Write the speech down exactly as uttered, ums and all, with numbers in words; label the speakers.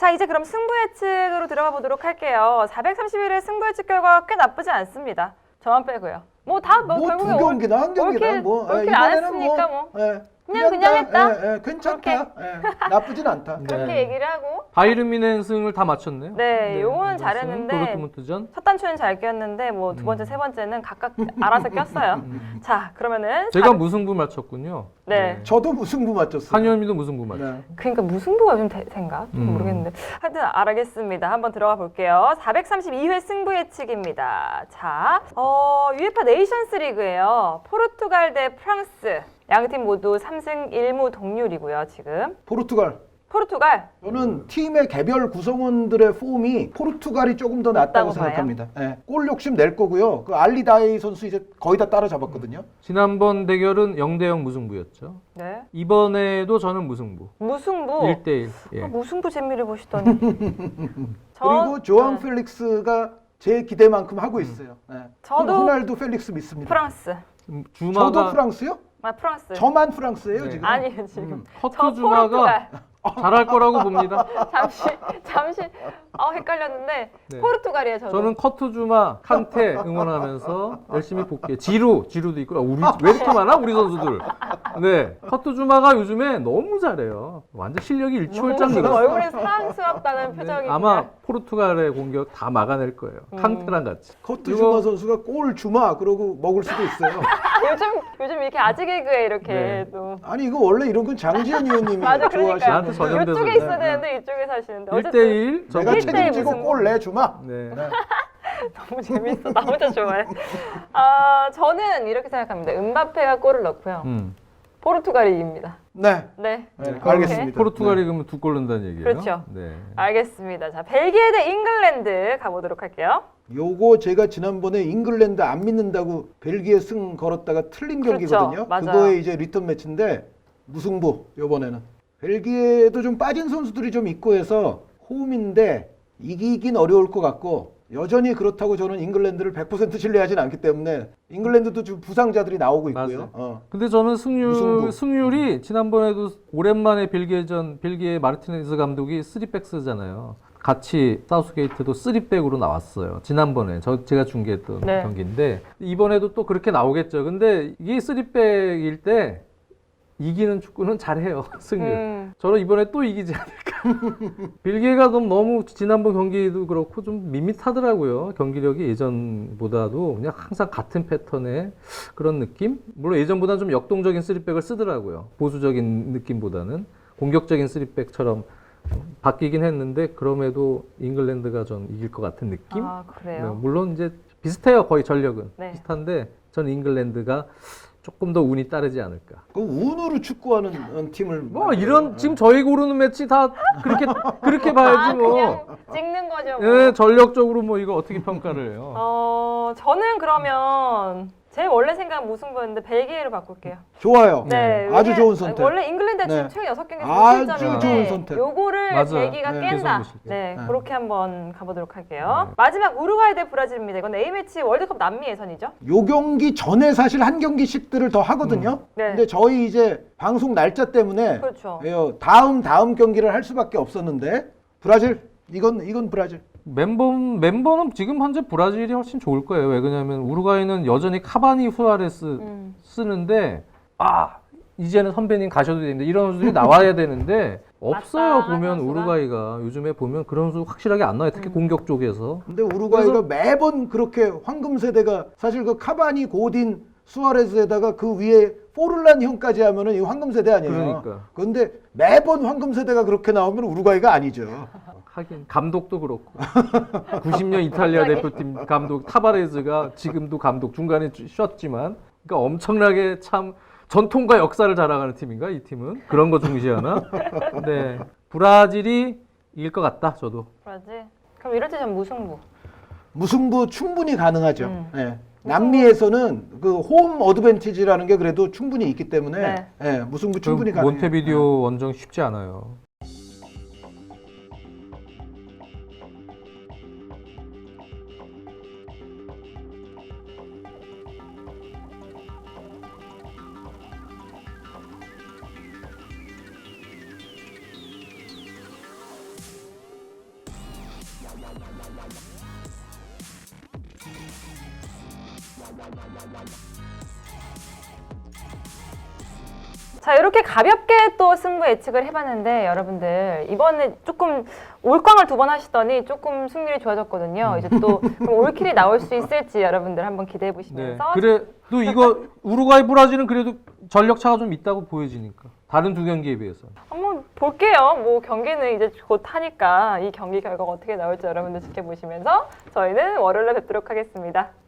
Speaker 1: 자, 이제 그럼 승부 예측으로 들어가 보도록 할게요. 사백삼십일 회 승부 예측 결과 꽤 나쁘지 않습니다. 저만 빼고요. 뭐 다 뭐
Speaker 2: 뭐
Speaker 1: 결국에
Speaker 2: 두 경기나 한 경기나
Speaker 1: 올킬,
Speaker 2: 뭐
Speaker 1: 올킬
Speaker 2: 예,
Speaker 1: 안
Speaker 2: 이번에는
Speaker 1: 했으니까 뭐,
Speaker 2: 예,
Speaker 1: 그냥 그냥
Speaker 2: 다,
Speaker 1: 했다?
Speaker 2: 예, 예, 괜찮다. 예, 나쁘진 않다.
Speaker 1: 그렇게
Speaker 3: 네.
Speaker 1: 얘기를 하고
Speaker 3: 바이른 뮌헨승을 다 맞췄네요.
Speaker 1: 네, 요거는
Speaker 3: 이번
Speaker 1: 잘했는데
Speaker 3: 승, 도르트문트전.
Speaker 1: 첫 단추는 잘 꼈는데 뭐 두 번째,
Speaker 3: 음.
Speaker 1: 세 번째는 각각 알아서 꼈어요. 자, 그러면은
Speaker 3: 제가
Speaker 1: 사백
Speaker 3: 무승부 맞췄군요.
Speaker 1: 네.
Speaker 2: 저도 무승부 맞췄어요.
Speaker 3: 한현미도 무승부 맞췄.
Speaker 2: 네.
Speaker 1: 그러니까 무승부가 요즘 대세인가? 좀
Speaker 3: 음.
Speaker 1: 모르겠는데 하여튼 알겠습니다. 한번 들어가 볼게요. 사백삼십이 회 승부 예측입니다. 자, 어, 유에파 네이션스 리그예요. 포르투갈 대 프랑스. 양팀 모두 삼 승 일 무 동률이고요, 지금.
Speaker 2: 포르투갈.
Speaker 1: 포르투갈.
Speaker 2: 저는 팀의 개별 구성원들의 폼이 포르투갈이 조금 더 낫다고
Speaker 1: 낫다고
Speaker 2: 생각합니다. 예, 골 욕심 낼 거고요. 그 알리다이 선수 이제 거의 다 따라잡았거든요.
Speaker 3: 지난번 대결은 영 대 영 무승부였죠.
Speaker 1: 네.
Speaker 3: 이번에도 저는 무승부.
Speaker 1: 무승부.
Speaker 3: 일 대 일. 예.
Speaker 1: 아, 무승부 재미를 보시더니.
Speaker 2: 그리고 조앙
Speaker 1: 네.
Speaker 2: 펠릭스가 제 기대만큼 하고 있어요. 예.
Speaker 1: 저도
Speaker 2: 호날두 펠릭스 믿습니다.
Speaker 1: 프랑스.
Speaker 3: 음,
Speaker 2: 저도
Speaker 3: 주마가
Speaker 2: 프랑스요?
Speaker 1: 아, 프랑스.
Speaker 2: 저만 프랑스예요
Speaker 3: 네.
Speaker 2: 지금?
Speaker 1: 아니에요, 지금.
Speaker 2: 음.
Speaker 1: 저
Speaker 3: 커트 주마가
Speaker 1: 포르투갈.
Speaker 3: 잘할 거라고 봅니다.
Speaker 1: 잠시 잠시 어 헷갈렸는데
Speaker 3: 네.
Speaker 1: 포르투갈이에요, 저도.
Speaker 3: 저는 커트 주마, 칸테 응원하면서 열심히 볼게요. 지루, 지루도 있고. 아, 우리 왜 이렇게 많아? 우리 선수들. 네, 커트 주마가 요즘에 너무 잘해요. 완전 실력이 일취월장
Speaker 1: 지금
Speaker 3: 늘었어요.
Speaker 1: 얼굴이 사랑스럽다는 표정이.
Speaker 3: 네, 아마 포르투갈의 공격 다 막아낼 거예요.
Speaker 1: 음.
Speaker 3: 칸테랑 같이.
Speaker 2: 커트
Speaker 3: 이거-
Speaker 2: 주마 선수가 골 주마 그러고 먹을 수도 있어요.
Speaker 1: 요즘 요즘 이렇게 아재 개그에 이렇게
Speaker 3: 네.
Speaker 1: 또
Speaker 2: 아니 이거 원래 이런 건 장지현 의원님이
Speaker 1: 맞아, 그러니까요.
Speaker 2: 좋아하시는
Speaker 3: 나한테
Speaker 2: 건데
Speaker 3: 전염돼서
Speaker 1: 이쪽에
Speaker 3: 그래.
Speaker 1: 있어야 되는데 이쪽에 사시는데
Speaker 3: 일
Speaker 1: 어쨌든
Speaker 3: 대 일.
Speaker 2: 내가
Speaker 1: 일 대 일
Speaker 2: 책임지고
Speaker 1: 무슨
Speaker 2: 골 내 주마.
Speaker 3: 네.
Speaker 2: 네.
Speaker 1: 너무 재밌어. 나 혼자 좋아해. 아, 저는 이렇게 생각합니다. 음바페가 골을 넣고요.
Speaker 3: 음.
Speaker 1: 포르투갈이 이깁니다.
Speaker 2: 네.
Speaker 1: 네.
Speaker 2: 네,
Speaker 1: 이렇게.
Speaker 2: 알겠습니다.
Speaker 3: 포르투갈이 그러면 두 골 넣는다는 얘기예요?
Speaker 1: 그렇죠.
Speaker 3: 네.
Speaker 1: 알겠습니다. 자, 벨기에 대 잉글랜드 가보도록 할게요.
Speaker 2: 요거 제가 지난번에 잉글랜드 안 믿는다고 벨기에 승 걸었다가 틀린
Speaker 1: 그렇죠.
Speaker 2: 경기거든요.
Speaker 1: 맞아요.
Speaker 2: 그거에 이제 리턴 매치인데 무승부 요번에는. 벨기에도 좀 빠진 선수들이 좀 있고 해서 홈인데 이기긴 어려울 것 같고 여전히 그렇다고 저는 잉글랜드를 백 퍼센트 신뢰하진 않기 때문에 잉글랜드도 지금 부상자들이 나오고 있고요.
Speaker 3: 맞아요.
Speaker 2: 어.
Speaker 3: 근데 저는 승률,
Speaker 2: 무승부.
Speaker 3: 승률이 지난번에도 오랜만에 벨기에전, 벨기에 마르티네즈 감독이 쓰리백 쓰잖아요. 같이 사우스게이트도 쓰리백으로 나왔어요. 지난번에 저 제가 중계했던
Speaker 1: 네.
Speaker 3: 경기인데 이번에도 또 그렇게 나오겠죠. 근데 이게 쓰리백일 때 이기는 축구는 잘해요. 승률.
Speaker 1: 음.
Speaker 3: 저는 이번에 또 이기지 않을까. 벨기에가 너무, 너무 지난번 경기도 그렇고 좀 밋밋하더라고요. 경기력이 예전보다도 그냥 항상 같은 패턴의 그런 느낌? 물론 예전보다는 좀 역동적인 쓰리백을 쓰더라고요. 보수적인 느낌보다는 공격적인 쓰리백처럼 바뀌긴 했는데 그럼에도 잉글랜드가 전 이길 것 같은 느낌?
Speaker 1: 아,
Speaker 3: 네,
Speaker 1: 그래요.
Speaker 3: 물론 이제 비슷해요. 거의 전력은.
Speaker 1: 네.
Speaker 3: 비슷한데 저는 잉글랜드가 조금 더 운이 따르지 않을까.
Speaker 2: 그 운으로 축구하는 팀을
Speaker 3: 뭐
Speaker 2: 만들어요.
Speaker 3: 이런 지금 저희 고르는 매치 다 그렇게 그렇게
Speaker 1: 아,
Speaker 3: 봐야지 뭐.
Speaker 1: 그냥 찍는 거죠. 뭐.
Speaker 3: 예, 전력적으로 뭐 이거 어떻게 평가를 해요?
Speaker 1: 어, 저는 그러면 제 원래 생각은 무승부였는데 벨기에로 바꿀게요.
Speaker 2: 좋아요.
Speaker 1: 네,
Speaker 2: 아주
Speaker 1: 왜냐-
Speaker 2: 좋은 선택.
Speaker 1: 원래 잉글랜드 지금
Speaker 2: 네.
Speaker 1: 최근 여섯 경기에서
Speaker 2: 아주
Speaker 1: 무실점인데
Speaker 2: 좋은 선택.
Speaker 1: 요거를
Speaker 3: 맞아요.
Speaker 1: 벨기가
Speaker 2: 네,
Speaker 1: 깬다.
Speaker 3: 계속 무실점.
Speaker 1: 네,
Speaker 2: 네.
Speaker 1: 그렇게 한번 가보도록 할게요.
Speaker 3: 네.
Speaker 1: 마지막 우루과이 대 브라질입니다. 이건 A매치 월드컵 남미 예선이죠.
Speaker 2: 요 경기 전에 사실 한 경기씩들을 더 하거든요.
Speaker 1: 네.
Speaker 2: 근데 저희 이제 방송 날짜 때문에
Speaker 1: 그렇죠.
Speaker 2: 예, 다음 다음 경기를 할 수밖에 없었는데 브라질 이건 이건 브라질.
Speaker 3: 멤버 멤버는 지금 현재 브라질이 훨씬 좋을 거예요. 왜 그러냐면 우루과이는 여전히 카바니 후아레스
Speaker 1: 음.
Speaker 3: 쓰는데 아 이제는 선배님 가셔도 되는데 이런 선수들이 나와야 되는데 없어요.
Speaker 1: 맞다,
Speaker 3: 보면
Speaker 1: 선수가.
Speaker 3: 우루과이가 요즘에 보면 그런 선수 확실하게 안 나와요. 특히
Speaker 1: 음.
Speaker 3: 공격 쪽에서.
Speaker 2: 근데 우루과이가 매번 그렇게 황금 세대가 사실 그 카바니, 고딘, 수아레스에다가 그 위에 포르란 형까지 하면은 이 황금 세대 아니에요.
Speaker 3: 그러니까.
Speaker 2: 근데 매번 황금 세대가 그렇게 나오면 우루과이가 아니죠.
Speaker 3: 하긴 감독도 그렇고 구십 년 이탈리아 대표팀 감독 타바레즈가 지금도 감독 중간에 쉬었지만 그러니까 엄청나게 참 전통과 역사를 자랑하는 팀인가 이 팀은 그런 거 중시하나? 네 브라질이 이길 것 같다 저도.
Speaker 1: 브라질. 그럼 이럴 때 전 무승부.
Speaker 2: 무승부 충분히 가능하죠.
Speaker 1: 음.
Speaker 2: 예. 남미에서는 그 홈 어드밴티지라는 게 그래도 충분히 있기 때문에
Speaker 1: 네.
Speaker 2: 예, 무승부
Speaker 3: 그
Speaker 2: 충분히 가능해요.
Speaker 3: 몬테비디오 원정 쉽지 않아요.
Speaker 1: 자, 이렇게 가볍게 또 승부 예측을 해봤는데 여러분들 이번에 조금 올광을 두 번 하시더니 조금 승률이 좋아졌거든요. 이제 또 올킬이 나올 수 있을지 여러분들 한번 기대해
Speaker 3: 네.
Speaker 1: 보시면서
Speaker 3: 그래 또 이거 우루과이 브라질은 그래도 전력 차가 좀 있다고 보여지니까 다른 두 경기에 비해서.
Speaker 1: 한번 볼게요. 뭐 경기는 이제 곧 하니까 이 경기 결과가 어떻게 나올지 여러분들 지켜보시면서 저희는 월요일에 뵙도록 하겠습니다.